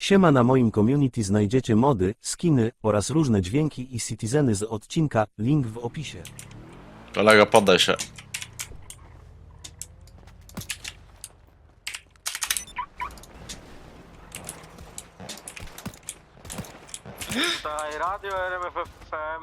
Siema, na moim community znajdziecie mody, skiny oraz różne dźwięki i citizeny z odcinka, link w opisie. Kolego, poddaj się. Tutaj Radio RMF FM.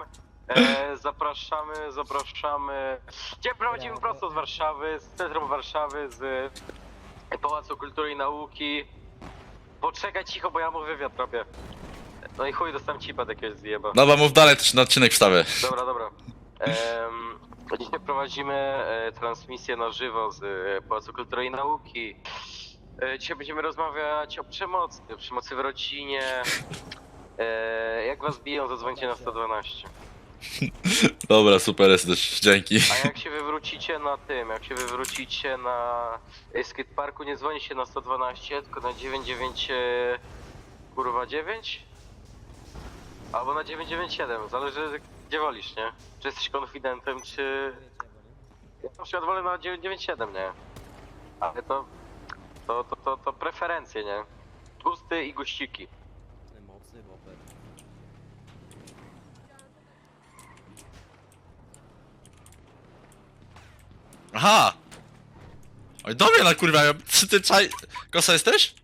Zapraszamy. Gdzie prowadzimy prosto z Warszawy, z centrum Warszawy, z Pałacu Kultury i Nauki. Poczekaj cicho, bo ja mu wywiad robię. No i chuj, dostałem cipa jakiegoś zjeba. Dobra, mów dalej, to się na odcinek wstawię. Dobra. Dzisiaj prowadzimy transmisję na żywo z Pałacu Kultury i Nauki. Dzisiaj będziemy rozmawiać o przemocy w rodzinie. Jak was biją, zadzwońcie na 112. Dobra, super jesteś, dzięki. A jak się wywrócicie na skateparku, nie dzwonicie na 112, tylko na 99 kurwa 9? Albo na 997, zależy gdzie wolisz, nie? Czy jesteś konfidentem, czy... Ja na przykład wolę na 997, nie? Ale to preferencje, nie? Gusty i guściki. Aha! Oj, do mnie nakurwiają. Czy ty czaj... Kosa jesteś?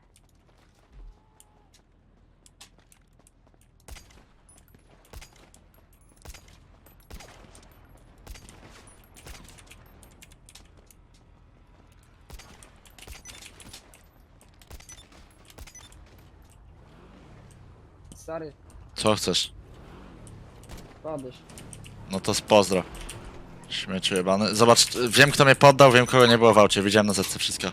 Stary, Co chcesz? padłeś. No to pozdro. Śmieciu jebany. Zobacz, wiem kto mnie poddał, wiem kogo nie było w aucie. Widziałem na zetce wszystko.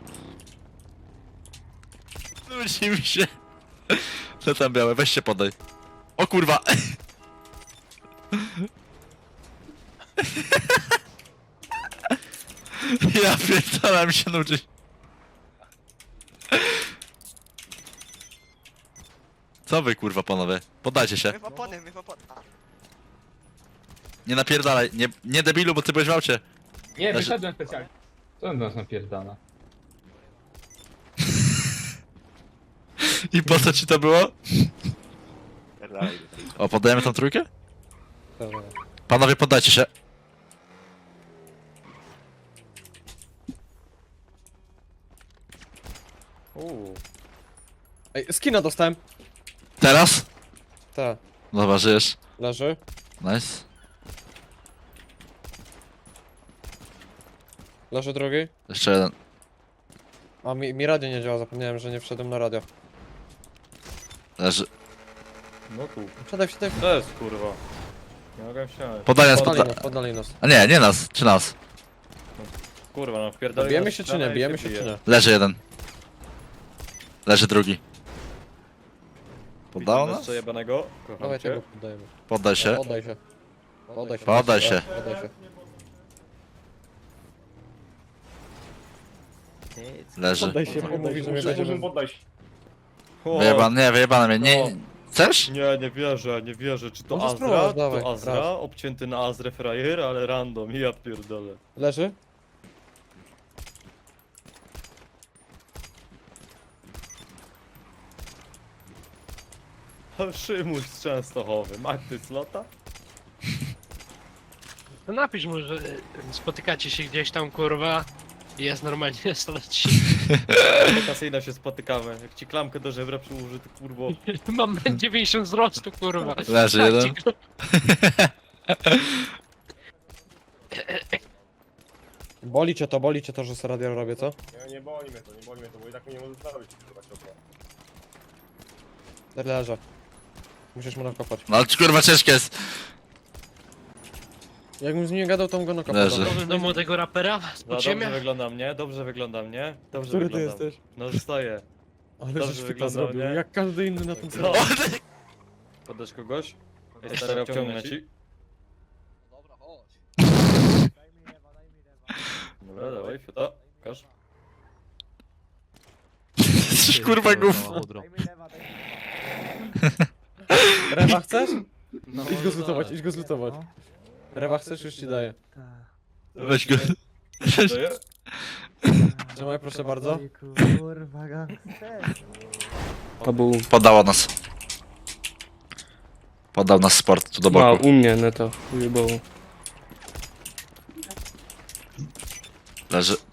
Nudzi mi się. Co tam białe? Weź się poddaj. O kurwa! Ja pierdolę, mi się nudzi. Co wy kurwa panowie? Poddajcie się. My w opony. Nie napierdalaj, nie debilu, bo ty byłeś w aucie. Nie, Znaczy- wyszedłem specjalnie. Co on nas napierdala? I po co ci to było? O, poddajemy tą trójkę? Panowie, poddajcie się. Ej, skina dostałem. Teraz? Tak, Dobra, żyjesz. leży. Nice. Leży drugi. Jeszcze jeden. A mi radio nie działa, zapomniałem, że nie wszedłem na radio. Leży. No tu. Wsiadaj. To jest kurwa. Nie mogę wsiąść. Podaj nas, Poddali nas. A nie nas, czy nas? Kurwa, no wpierdolę. Bijemy się czy nie, bijemy się czy nie? Leży jeden. Leży drugi. Poddało nas? Co jebanego? Dawaj Kocham tego cię. poddajemy. Poddaj się. Poddaj się. Poddaj się. Poddaj się. Poddaj się. Leży. Poddaj się, bo mówi, że mnie będzie... Wyjebane, wyjebane mnie. Nie... Chcesz? Nie wierzę. Czy to Może Azra? spróbować, dawaj, To Azra? raz. Obcięty na Azrę frajer, ale random. Ja pierdolę. Leży? Szymuś z Częstochowy. Magdy Slota? No napisz mu, że spotykacie się gdzieś tam, kurwa, i jest normalnie stać. Wakacyjna się spotykamy. Jak ci klamkę do żebra przyłoży, to kurwo. Mam 90 wzrostu, kurwa. Leży Tak jeden. ci go- Boli cię to, że sobie radio robię, co? Nie boli mnie to, bo i tak mnie nie może zostawić. Leżę. Musisz mu nakopać. No ale kurwa ciężkie jest. Jakbym z nim nie gadał, to bym go nakopał. Leży. Dobra. Powiem do młodego rapera z Dobrze podziemia. wygląda mnie, dobrze wygląda mnie. Dobrze Który ty wyglądam. jesteś? No stoję. Ale Dobrze żeś typa wyglądał, zrobił, nie? jak każdy inny na tym No. serwerze. Podasz kogoś? Ej, stary, obciągnę ci. Dobra, dawaj, fiuta. Każ. Jesteś kurwa gów. Rewa chcesz? Idź go zlutować. Rewa chcesz? Już ci daję. Weź go. Daję? Trzymaj, proszę bardzo. To był... Poddało nas. Poddał nas sport tu do A, boku. u mnie neto. Ujebało. Leży.